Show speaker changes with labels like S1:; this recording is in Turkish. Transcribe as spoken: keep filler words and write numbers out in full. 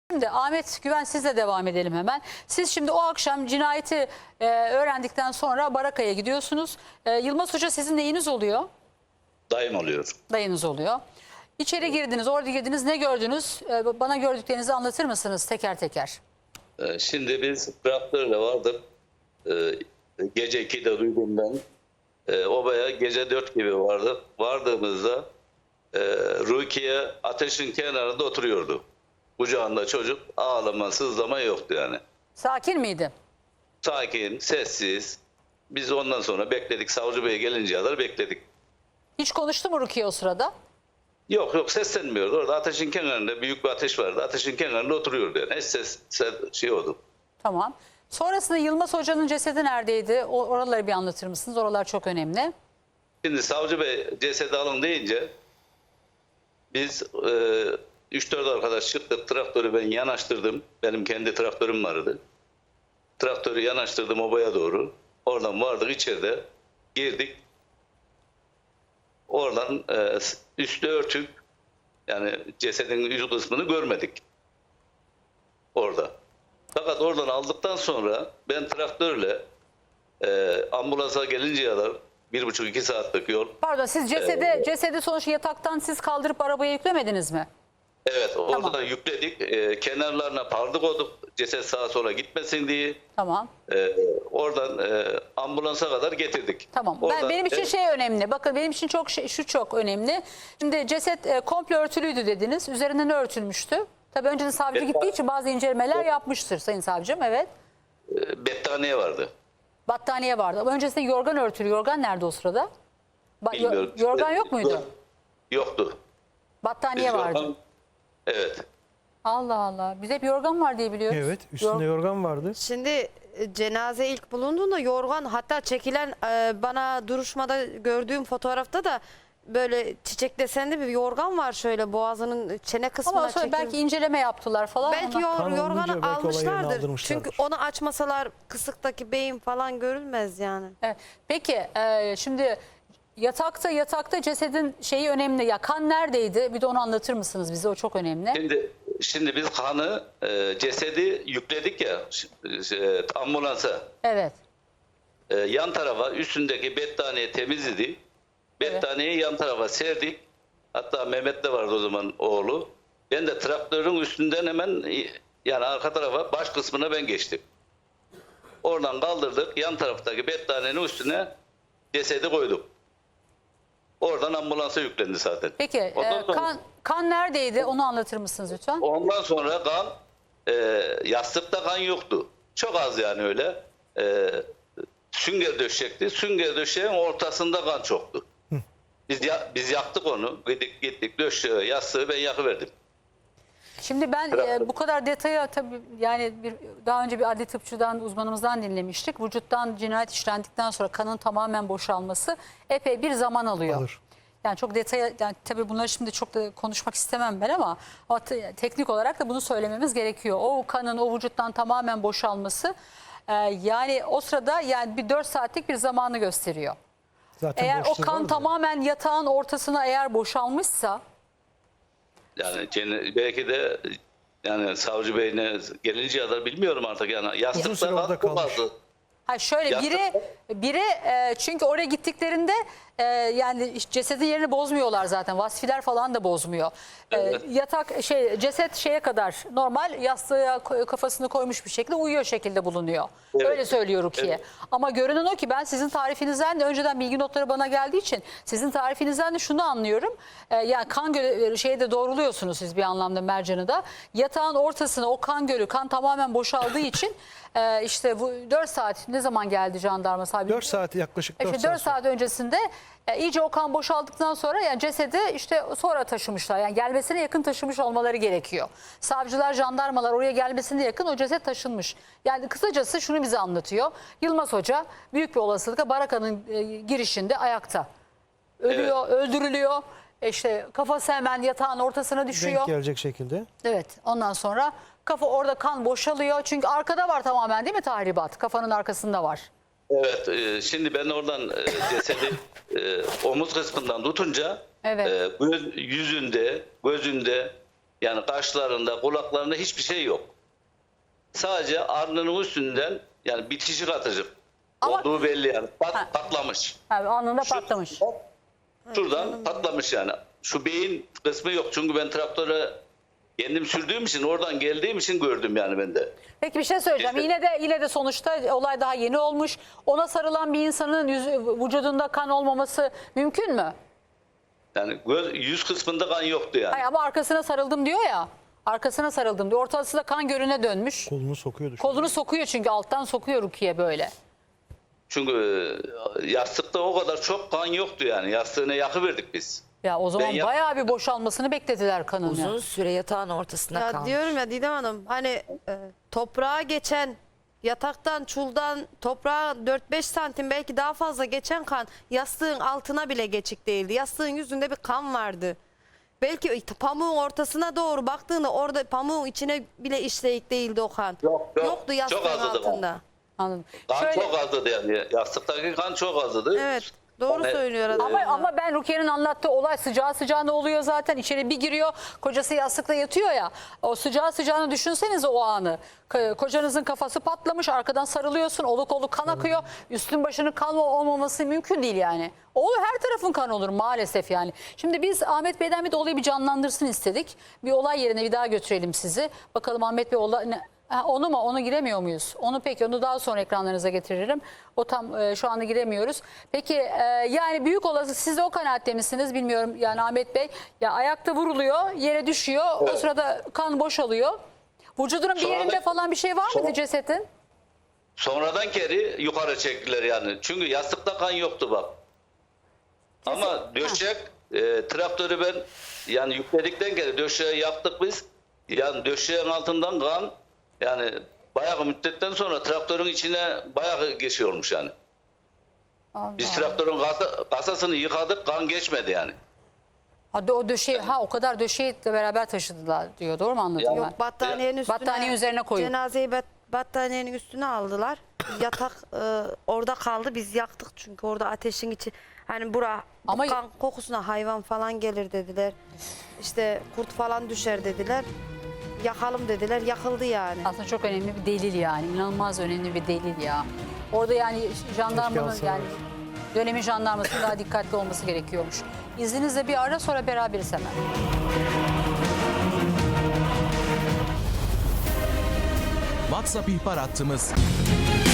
S1: Şimdi Ahmet Güven, sizle devam edelim hemen. Siz şimdi o akşam cinayeti e, öğrendikten sonra Baraka'ya gidiyorsunuz. E, Yılmaz Hoca sizin neyiniz oluyor?
S2: Dayım oluyor.
S1: Dayınız oluyor. İçeri girdiniz, orada girdiniz. Ne gördünüz? E, bana gördüklerinizi anlatır mısınız teker teker?
S2: Ee, Şimdi biz traktörle vardık. Ee, Gece ikide duydum ben. Ee, Obaya gece dört gibi vardık. Vardığımızda e, Rukiye ateşin kenarında oturuyordu. Kucağında çocuk, ağlama, sızlama yoktu yani.
S1: Sakin miydi?
S2: Sakin, sessiz. Biz ondan sonra bekledik. Savcı Bey gelinceye kadar bekledik.
S1: Hiç konuştu mu Rukiye o sırada?
S2: Yok yok seslenmiyordu. Orada ateşin kenarında büyük bir ateş vardı. Ateşin kenarında oturuyordu yani. Hiç ses, ses şey oldu.
S1: Tamam. Sonrasında Yılmaz Hoca'nın cesedi neredeydi? O, oraları bir anlatır mısınız? Oralar çok önemli.
S2: Şimdi Savcı Bey cesedi alın deyince biz üç dört arkadaş çıktık. Traktörü ben yanaştırdım. Benim kendi traktörüm vardı. Traktörü yanaştırdım obaya doğru. Oradan vardık, içeride girdik. Oradan e, üstü örtük, yani cesedin yüz kısmını görmedik orada. Fakat oradan aldıktan sonra ben traktörle e, ambulansa gelinceye kadar bir buçuk iki saatlik yol.
S1: Pardon, siz cesedi,
S2: Ee,
S1: cesedi sonuçta yataktan siz kaldırıp arabaya yüklemediniz mi?
S2: Evet, orada
S1: Tamam.
S2: da yükledik. E, kenarlarına pardı koyduk ceset sağa sola gitmesin diye.
S1: Tamam.
S2: E, oradan e, ambulansa kadar getirdik.
S1: Tamam. Ben,
S2: Oradan,
S1: benim için
S2: e,
S1: şey önemli. Bakın benim için çok şey, şu çok önemli. Şimdi ceset e, komple örtülüydü dediniz. Üzerinden ne örtülmüştü? Tabii önceden savcı
S2: Evet.
S1: gittiği için bazı incelemeler yapmıştır Sayın Savcım. Evet.
S2: e, battaniye vardı.
S1: Battaniye vardı. Ama öncesinde yorgan örtülü. Yorgan nerede o sırada? Ba- yo-
S2: Bilmiyorum.
S1: yorgan yok muydu?
S2: Yoktu.
S1: Battaniye
S2: Biz
S1: vardı.
S2: yorgan- Evet.
S1: Allah Allah. Biz hep yorgan var diye biliyoruz.
S3: Evet, üstünde
S1: Yor-
S3: yorgan vardı.
S4: Şimdi e, cenaze ilk bulunduğunda yorgan, hatta çekilen e, bana duruşmada gördüğüm fotoğrafta da böyle çiçek desenli bir yorgan var, şöyle boğazının çene kısmına
S1: Ama sonra
S4: çekilmiş.
S1: belki inceleme yaptılar falan.
S4: Belki
S1: Ondan-
S4: yor,
S3: Kan olunca
S4: yorganı
S3: belki olay yerine
S4: almışlardır.
S3: aldırmışlardır.
S4: Çünkü onu açmasalar kısıktaki beyin falan görülmez yani.
S1: Evet. Peki e, şimdi yatakta yatakta cesedin şeyi önemli. Ya kan neredeydi? Bir de onu anlatır mısınız bize? O çok önemli.
S2: Şimdi şimdi biz kanı, e, cesedi yükledik ya e, ambulansa.
S1: Evet.
S2: E, yan tarafa üstündeki battaniye temiz idi. Battaniyeyi yan tarafa serdik. Hatta Mehmet de vardı o zaman, oğlu. Ben de traktörün üstünden hemen e, yani arka tarafa, baş kısmına ben geçtim. Oradan kaldırdık. Yan taraftaki battaniyenin üstüne cesedi koyduk. Oradan ambulansa yüklendi zaten.
S1: Peki e,
S2: Ondan sonra-
S1: kan kan neredeydi? Onu anlatır mısınız lütfen?
S2: Ondan sonra kan, e, yastıkta kan yoktu. Çok az yani öyle. E, sünger döşekti. Sünger döşeğin ortasında kan çoktu. Biz ya, biz yaktık onu. Gittik gittik döşeğe, yastığı ben yakıverdim.
S1: Şimdi ben e, bu kadar detaya tabii yani bir, daha önce bir adli tıpçıdan, uzmanımızdan dinlemiştik. Vücuttan cinayet işlendikten sonra kanın tamamen boşalması epey bir zaman alıyor.
S3: Alır.
S1: Yani çok detaya, yani tabii bunları şimdi çok da konuşmak istemem ben ama, ama te- teknik olarak da bunu söylememiz gerekiyor. O kanın o vücuttan tamamen boşalması e, yani o sırada yani bir dört saatlik bir zamanı gösteriyor.
S3: Zaten
S1: Eğer o
S3: boşluğu
S1: kan
S3: vardı.
S1: tamamen yatağın ortasına eğer boşalmışsa,
S2: Yani cene- belki de yani savcı beyine gelinceye kadar bilmiyorum artık yani.
S3: Uzun
S2: Yastıkta
S3: süre orada
S2: kan çok
S3: kalmış.
S2: azdı.
S1: ha şöyle
S2: Yastık-
S1: biri biri e, çünkü oraya gittiklerinde e, yani cesedin yerini bozmuyorlar zaten. Vasfiler falan da bozmuyor. E,
S2: Evet.
S1: yatak şey ceset şeye kadar normal yastığa koy- kafasını koymuş bir şekilde uyuyor şekilde bulunuyor.
S2: Evet.
S1: Öyle söylüyor Rukiye.
S2: Evet.
S1: Ama görünen o ki ben sizin tarifinizden de önceden bilgi notları bana geldiği için sizin tarifinizden de şunu anlıyorum. E, yani kan gölü şeyde doğruluyorsunuz siz bir anlamda mercanı da. Yatağın ortasına o kan gölü, kan tamamen boşaldığı için e, işte bu dört saat ne zaman geldi jandarma sahibi?
S3: dört saat yaklaşık dört
S1: İşte
S3: saat.
S1: dört saat öncesinde e, iyice o kan boşaldıktan sonra yani cesedi işte sonra taşımışlar. Yani gelmesine yakın taşımış olmaları gerekiyor. Savcılar, jandarmalar oraya gelmesine yakın o ceset taşınmış. Yani kısacası şunu bize anlatıyor. Yılmaz Hoca büyük bir olasılıkla Baraka'nın e, girişinde ayakta. Ölüyor, öldürülüyor. E, İşte kafası hemen yatağın ortasına düşüyor.
S3: Denk gelecek şekilde.
S1: Evet, ondan sonra kafa orada kan boşalıyor. Çünkü arkada var tamamen değil mi tahribat? Kafanın arkasında var.
S2: Evet, e, şimdi ben oradan e, cesedi e, omuz kısmından tutunca
S1: Evet.
S2: e, göz, yüzünde, gözünde, Yani kaşlarında, kulaklarında hiçbir şey yok. Sadece alnının üstünden yani bitişik atıcı
S1: Ama-
S2: olduğu belli yani. Pat,
S1: Ha.
S2: patlamış.
S1: Ha, anında
S2: Şu-
S1: patlamış.
S2: Şuradan patlamış yani. Şu beyin kısmı yok. Çünkü ben traktöre kendim sürdüğüm için, oradan geldiğim için gördüm yani ben de.
S1: Peki bir şey söyleyeceğim.
S2: İşte-
S1: Yine de yine de sonuçta olay daha yeni olmuş. Ona sarılan bir insanın yüzü, vücudunda kan olmaması mümkün mü?
S2: Yani göz, yüz kısmında kan yoktu yani.
S1: Hayır, ama arkasına sarıldım diyor ya. Arkasına sarıldım diyor. Ortası da kan gölüne dönmüş.
S3: Kolunu sokuyordu. şu
S1: Kolunu sokuyor çünkü alttan sokuyor Rukiye böyle.
S2: Çünkü e, yastıkta o kadar çok kan yoktu yani. Yastığına yakıverdik biz.
S1: Ya o zaman
S2: Ben yap-
S1: bayağı bir boşalmasını beklediler kanın.
S5: Uzun
S1: ya.
S5: süre yatağın ortasında
S4: Ya
S5: kalmış.
S4: diyorum ya Didem Hanım hani e, toprağa geçen yataktan çuldan toprağa dört beş santim belki daha fazla geçen kan yastığın altına bile geçik değildi. Yastığın yüzünde bir kan vardı. Belki pamuğun ortasına doğru baktığında orada pamuğun içine bile işleyik değildi o kan.
S2: Yok, yok.
S4: Yoktu yastığın
S2: Çok azdı kan.
S4: altında.
S1: Anladım.
S2: Kan
S1: Şöyle-
S2: çok azdı yani. Yastıktaki kan çok azdı.
S4: Evet doğru
S2: Yani,
S4: söylüyor
S2: e,
S4: adam.
S1: Ama, ama ben Rukiye'nin anlattığı olay sıcağı sıcağına oluyor zaten. İçeri bir giriyor, kocası yastıkta yatıyor ya. O sıcağı sıcağını düşünsenize o anı. K- Kocanızın kafası patlamış, arkadan sarılıyorsun, oluk oluk kan akıyor. Üstün başının kan olmaması mümkün değil yani. Olur, her tarafın kan olur maalesef yani. Şimdi biz Ahmet Bey'den bir de olayı bir canlandırsın istedik. Bir olay yerine bir daha götürelim sizi. Bakalım Ahmet Bey olay... ne- Ha, onu mu? Onu giremiyor muyuz? Onu peki onu daha sonra ekranlarınıza getiririm. O tam e, şu anda giremiyoruz. Peki e, yani büyük olası siz de o kanaatte misiniz bilmiyorum yani Ahmet Bey. Ya ayakta vuruluyor, yere düşüyor. O
S2: Evet.
S1: sırada kan boşalıyor. Vücudunun bir
S2: Sonra da-
S1: yerinde falan bir şey var mıydı
S2: Sonra-
S1: cesetin?
S2: Sonradan geri yukarı çektiler yani. Çünkü yastıkta kan yoktu bak. Ama döşek e, traktörü ben yani yükledikten geri döşeği yaktık biz. Yani döşeğin altından kan yani bayağı müddetten sonra traktörün içine bayağı geçiyormuş yani.
S1: Allah.
S2: Biz traktörün kasa- kasasını yıkadık, kan geçmedi yani.
S1: Ha, o döşeği, ha o kadar döşeği de beraber taşıdılar diyor. Doğru mu anladım
S2: Ya-
S1: ben?
S4: Yok battaniyenin üstüne.
S1: Battaniye üzerine koyup.
S4: Cenazeyi bat, battaniyenin üstüne aldılar. Yatak e, orada kaldı. Biz yaktık çünkü orada ateşin içi. Hani bura bu
S1: Ama-
S4: kan kokusuna hayvan falan gelir dediler. İşte kurt falan düşer dediler. Yakalım dediler. Yakıldı yani.
S1: Aslında çok önemli bir delil yani. İnanılmaz önemli bir delil ya. Orada yani jandarmanın
S3: alsalar.
S1: yani dönemin jandarmasının daha dikkatli olması gerekiyormuş. İzninizle bir ara sonra beraberiz hemen.
S6: WhatsApp ihbar hattımız